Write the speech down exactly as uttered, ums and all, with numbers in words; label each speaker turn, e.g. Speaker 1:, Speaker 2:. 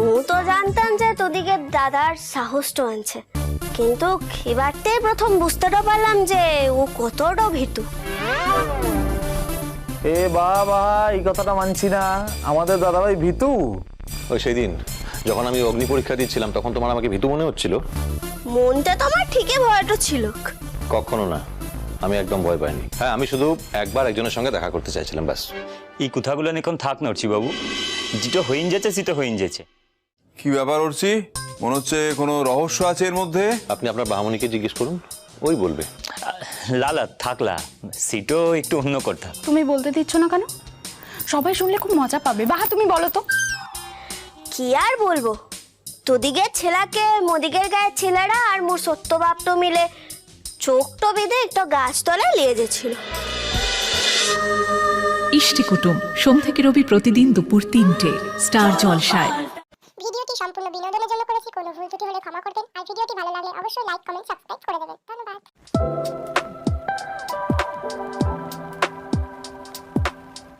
Speaker 1: মু তো জানতাম যে তোদিকে দাদার সাহসটা আনছে, কিন্তু এবারতে প্রথম বুঝতেটা পারলাম যে ও কতটা ভীতু।
Speaker 2: এ বাবা, এই কথাটা মানছি না, আমাদের দাদাভাই ভীতু।
Speaker 3: ওই সেদিন যখন আমি অগ্নি পরীক্ষা দিচ্ছিলাম তখন তোমার আমাকে ভীতু মনে হচ্ছিল?
Speaker 1: মনটা তো আমার ঠিকই ভয়টা ছিল।
Speaker 3: কখনো না, আমি একদম ভয় পাইনি। হ্যাঁ, আমি শুধু একবার একজনের সঙ্গে দেখা করতে চাইছিলাম, ব্যাস।
Speaker 4: এই কথাগুলো এখন থাক নড়ছি বাবু, যেটা হইন যাচ্ছে সেটা হইন যাচ্ছে।
Speaker 5: কি ব্যাপার উঠছি? মনে হচ্ছে কোনো রহস্য আছে এর মধ্যে।
Speaker 3: আপনি আপনার বাহামণিকে জিজ্ঞেস করুন, ওই বলবে।
Speaker 4: লালা থাকলা, সেটাও একটু অন্য কথা।
Speaker 6: তুমি বলতে দিচ্ছ না কেন? সবাই শুনলে খুব মজা পাবে। বাহা তুমি বলো তো।
Speaker 1: কি আর বলবো, তোদিকের ছেলাকে মোদিকের গায়ের ছেলেরা আর মোর সত্য বাপ তো মিলে চোখ তো বেঁধে একটা গাছতলায় নিয়ে গেছিল।
Speaker 7: ইষ্টি কুটুম সোম থেকে রবি প্রতিদিন দুপুর তিনটে স্টার জলসায়।
Speaker 8: ভিডিওটি সম্পূর্ণ বিনোদনের জন্য করেছি, কোনো ভুল ত্রুটি হলে ক্ষমা করবেন। আর ভিডিওটি ভালো লাগলে অবশ্যই লাইক, কমেন্ট, সাবস্ক্রাইব করে দেবেন। ধন্যবাদ।